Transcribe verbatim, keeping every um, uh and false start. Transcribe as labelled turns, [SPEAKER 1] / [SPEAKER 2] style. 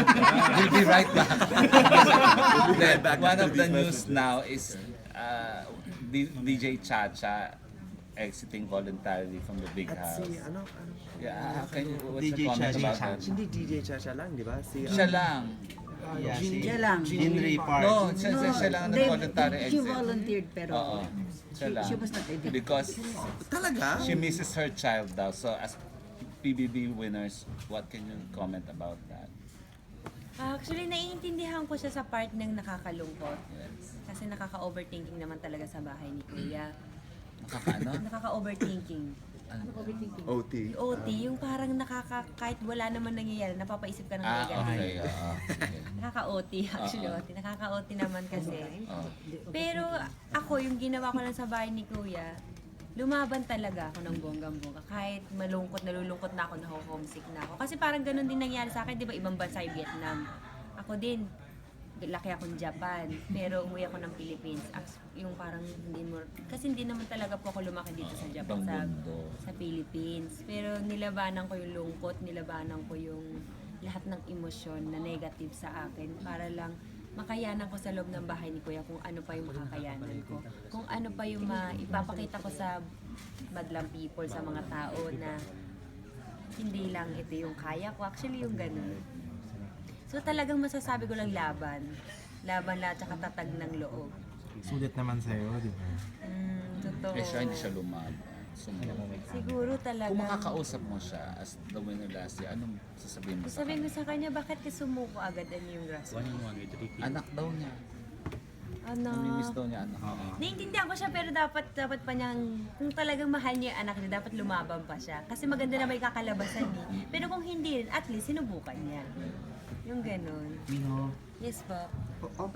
[SPEAKER 1] We'll be right back. Then,
[SPEAKER 2] back
[SPEAKER 1] one
[SPEAKER 2] after
[SPEAKER 1] of the
[SPEAKER 2] these
[SPEAKER 1] news
[SPEAKER 2] messages.
[SPEAKER 1] now is uh, D- DJ Chacha exiting voluntarily from the big
[SPEAKER 3] At
[SPEAKER 1] house.
[SPEAKER 3] si, ano, ano,
[SPEAKER 1] Yeah, can you, what's
[SPEAKER 4] D J
[SPEAKER 1] the comment
[SPEAKER 4] Chacha.
[SPEAKER 1] about that?
[SPEAKER 3] hindi D J Chacha lang, di ba? Si,
[SPEAKER 1] Siya lang.
[SPEAKER 4] Yeah, si
[SPEAKER 5] Siya lang.
[SPEAKER 4] Henry Park.
[SPEAKER 1] No, siya, siya, siya lang ang
[SPEAKER 5] they-
[SPEAKER 1] nag-voluntary
[SPEAKER 5] She
[SPEAKER 1] exit.
[SPEAKER 5] volunteered pero
[SPEAKER 1] Oo, siya
[SPEAKER 5] she,
[SPEAKER 1] lang.
[SPEAKER 5] she was not ready.
[SPEAKER 1] Because
[SPEAKER 3] Talaga?
[SPEAKER 1] she misses her child daw. So as P B B winners, what can you comment about that?
[SPEAKER 6] Actually, naiintindihan ko siya sa part ng nakakalungkot.
[SPEAKER 1] Yes.
[SPEAKER 6] Kasi nakaka-overthinking naman talaga sa bahay ni Kuya.
[SPEAKER 1] Nakakaano?
[SPEAKER 6] Nakaka-overthinking.
[SPEAKER 3] O T.
[SPEAKER 6] O T, yung parang nakaka, kahit wala naman nangyayari, napapaisip ka ng
[SPEAKER 1] Ah,
[SPEAKER 6] ganyan.
[SPEAKER 1] okay. oo, sige.
[SPEAKER 6] Nakaka-O T, actually
[SPEAKER 1] Oo.
[SPEAKER 6] O T. Nakaka-O T naman kasi.
[SPEAKER 1] Oh.
[SPEAKER 6] Pero ako, yung ginawa ko lang sa bahay ni Kuya, lumaban talaga ako ng bonggang-bongga. Kahit malungkot, nalulungkot na ako, naho-homesick na ako. Kasi parang ganun din nangyari sa akin, di ba, ibang bansa yung Vietnam. Ako din, laki akong Japan, pero umuwi ako ng Philippines. As- Yung parang hindi mo, kasi hindi naman talaga po ako lumaki dito sa Japan,
[SPEAKER 1] Ibang
[SPEAKER 6] sa,
[SPEAKER 1] mundo.
[SPEAKER 6] sa Philippines. Pero nilabanan ko yung lungkot, nilabanan ko yung lahat ng emosyon na negative sa akin para lang makayanan ko sa loob ng bahay ni Kuya kung ano pa yung makakayanan ko. Kung ano pa yung ma- ipapakita ko sa madlang people, sa mga tao na hindi lang ito yung kaya ko. Actually, yung ganun. So talagang masasabi ko lang laban. Laban lahat tsaka tatag ng loob.
[SPEAKER 4] Sulit naman sa'yo, di ba?
[SPEAKER 6] Mm, totoo.
[SPEAKER 1] Eh siya hindi siya lumaban. Sumunod.
[SPEAKER 6] Siguro talaga.
[SPEAKER 1] Kung makakausap mo siya as the winner last year, anong sasabihin mo sa
[SPEAKER 6] Sabihin ko
[SPEAKER 1] kanya?
[SPEAKER 6] sa kanya, bakit ka sumuko agad ano yung grass?
[SPEAKER 1] Anak daw niya.
[SPEAKER 6] Ano?
[SPEAKER 1] Namimiss daw niya anak.
[SPEAKER 6] Naiintindihan ko siya pero dapat dapat pa niyang, kung talagang mahal niya yung anak niya, dapat lumaban pa siya. Kasi maganda na may kakalabasan eh. Pero kung hindi rin, at least sinubukan niya. Yung ganun. Yes po.